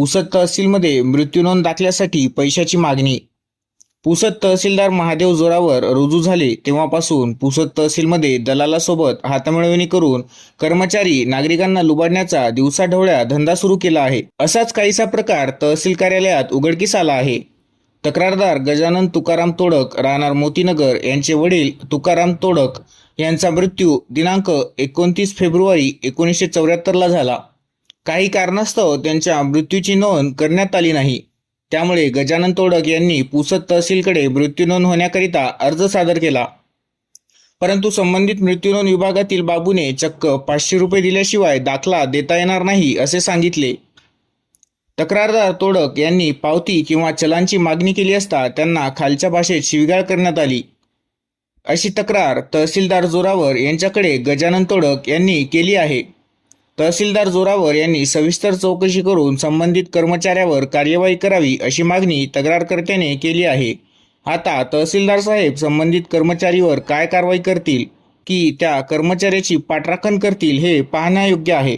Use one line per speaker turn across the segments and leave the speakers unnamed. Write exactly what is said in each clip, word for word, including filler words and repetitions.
पुसद तहसीलमध्ये मृत्यू नोंद दाखल्यासाठी पैशाची मागणी. पुसद तहसीलदार महादेव जोरावर रुजू झाले तेव्हापासून पुसद तहसीलमध्ये दलालासोबत हातमिळवणी करून कर्मचारी नागरिकांना लुबाडण्याचा दिवसाढवळ्या धंदा सुरू केला आहे. असाच काहीसा प्रकार तहसील कार्यालयात उघडकीस आला आहे. तक्रारदार गजानन तुकाराम तोडक राहणार मोतीनगर यांचे वडील तुकाराम तोडक यांचा मृत्यू दिनांक एकोणतीस फेब्रुवारी एकोणीसशे चौऱ्याहत्तरला झाला. काही कारणास्तव त्यांच्या मृत्यूची नोंद करण्यात आली नाही. त्यामुळे गजानन तोडक यांनी पुसद तहसीलकडे मृत्यू नोंद होण्याकरिता अर्ज सादर केला. परंतु संबंधित मृत्यू नोंद विभागातील बाबूने चक्क पाचशे रुपये दिल्याशिवाय दाखला देता येणार नाही असे सांगितले. तक्रारदार तोडक यांनी पावती किंवा चलांची मागणी केली असता त्यांना खालच्या भाषेत शिवीगाळ करण्यात आली. अशी तक्रार तहसीलदार जोरावर यांच्याकडे गजानन तोडक यांनी केली आहे. तहसीलदार जोरावर यांनी सविस्तर चौकशी करून संबंधित कर्मचाऱ्यावर कार्यवाही करावी अशी मागणी तक्रारकर्त्याने केली आहे. आता तहसीलदार साहेब संबंधित कर्मचारीवर काय कारवाई करतील की त्या कर्मचाऱ्याची पाठराखण करतील हे पाहण्यायोग्य आहे.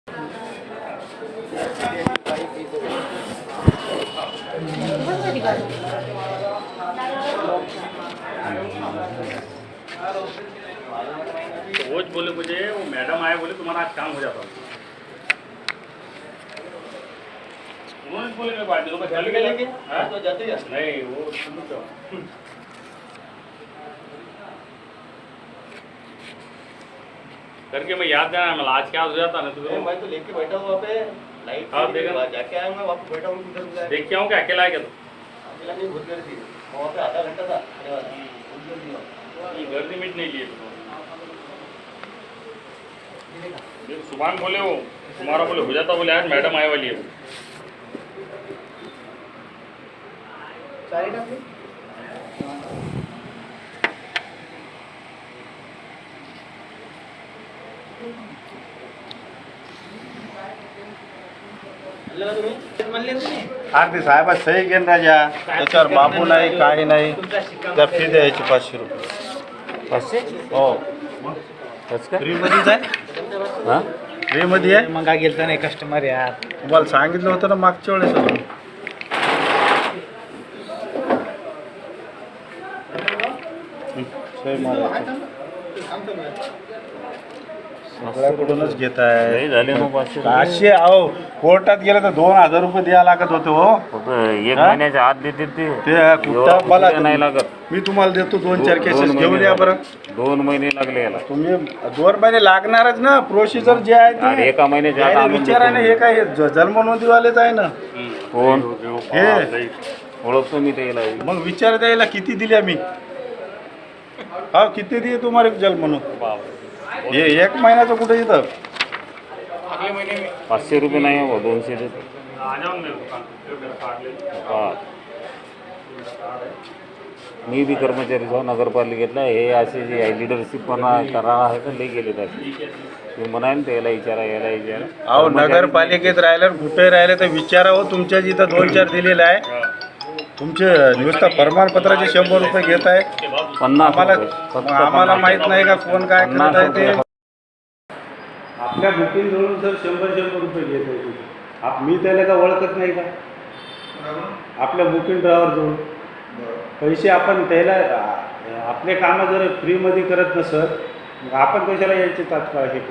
वो बोले मुझे वो मैडम आए बोले तुम्हारा आज काम हो जाता. उन्होंने बोले मैं बात तो चल गए हाँ तो जाते हैं नहीं वो तो करके मैं याद देना मैं आज क्या हो जाता ना तो
मैं तो लेके बैठा हूँ वहाँ पे लाइट
हाँ देखा
जाके आया मैं वहाँ पे बैठा हूँ उधर
देख के आऊँ क्या अकेला है क्या तो
अकेला नहीं बहुत गर्दी वहाँ पे आधा घंटा था
ये गर्दी मीट नहीं लिए सुभान बोले वो तुम्हारा बोले हो जाता बोले आज मैडम आए वाली है
अगदी साहेबा सही घेऊन राजा त्याच्यावर बाबू नाही काही नाही त्या फी द्यायची पाचशे रुपये.
पाचशे
हो फ्रीमध्येच आहे.
हां
फ्रीमध्ये आहे.
मग गेलता नाही कस्टमर यार
तुम्हाला सांगितलं होतं ना मागच्या वेळेस अजून. सही मारायची सगळ्याकडूनच घेत आहे.
झाले मग पाचशे
पाचशे अहो कोर्टात गेलं तर दोन हजार रुपये द्यायला लागत होते हो.
एक
हा?
महिन्याच्या आत देते ते
ते कुठं मला
नाही लागत.
मी तुम्हाला देतो दोन चार
दोन
केसेस
महिने
घेऊन या बरं.
दोन महिने लागले याला.
तुम्ही दोन महिने लागणारच ना. प्रोसिजर जे आहे
अरे
ते
एका महिन्याच्या आत
यायला
आणून
विचारा ना.
देतो.
हे काय हे जन्म नोंदीवालेच आहे ना.
कोण
हे
ओळखतो मी त्याला.
मग विचार द्यायला किती दिल्या मी. हा किती दिले तुम्हाला जन्म नोंद. हे एक महिन्याचं कुठे येतं.
पाचशे रुपये नाही हो दोनशे देतो. हा मी बी कर्मचारी जाऊ नगरपालिकेतला हे असे जे लिडरशिप पण करा आहे का लई गेले त्याचे मी म्हणाल त्याला विचारा याला विचारा.
अहो नगरपालिकेत राहिलं कुठे राहिलं तर विचारा हो. तुमच्या जिथं दोन चार दिलेलं आहे. तुमचे नुसतं प्रमाणपत्राचे शंभर रुपये घेत आहे.
पन्नास
आम्हाला
रुपये. फक्त
आम्हाला
पन्नास
माहित नाही का कोण काय
पन्नास
करत आहे ते.
रुपये.
आपल्या बुकिंग जवळून सर शंभर शंभर रुपये घेत आहे. आप मी त्याला का ओळखत नाही का. आपल्या बुकिंग ड्रायव्हर जवळ पैसे आपण त्याला आपले कामं जर फ्रीमध्ये करत नसत आपण कशाला यायचे तात्काळ हे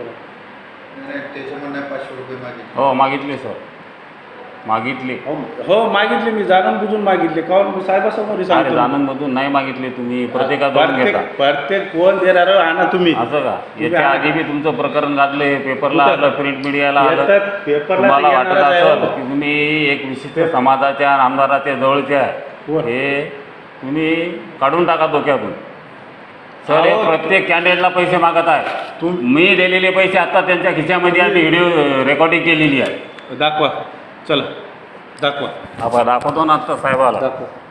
करत.
हो मागितले सर मागितले.
हो हो मागितले मी जाणून बुजून मागितले. काहून साहेबासमोर
अरे
सांगतो.
जाणून मधून नाही मागितले तुम्ही प्रत्येकाकडून
प्रत्येक
घेता
प्रत्येक कोण देणार आणा तुम्ही.
असं का. याच्या आधी बी तुमचं प्रकरण गाजले पेपरला
कुठं?
आलं प्रिंट मीडियाला आलं.
येतात, पेपरला
तुम्हाला
ते
वाटत
येणारच आहे
असेल
हो.
की तुम्ही एक विशिष्ट समाजाच्या आमदाराच्या जवळच्या
कोण?
हे तुम्ही काढून टाका डोक्यातून. सर हे
अहो.
प्रत्येक कॅन्डिडेटला पैसे मागत आहे.
तुम-
मी दिलेले पैसे आता त्यांच्या खिशामध्ये आम्ही व्हिडिओ रेकॉर्डिंग केलेली आहे.
दाखवा चला दाखवा
आपण दाखवतो ना आता साहेबाला.
दाखवा.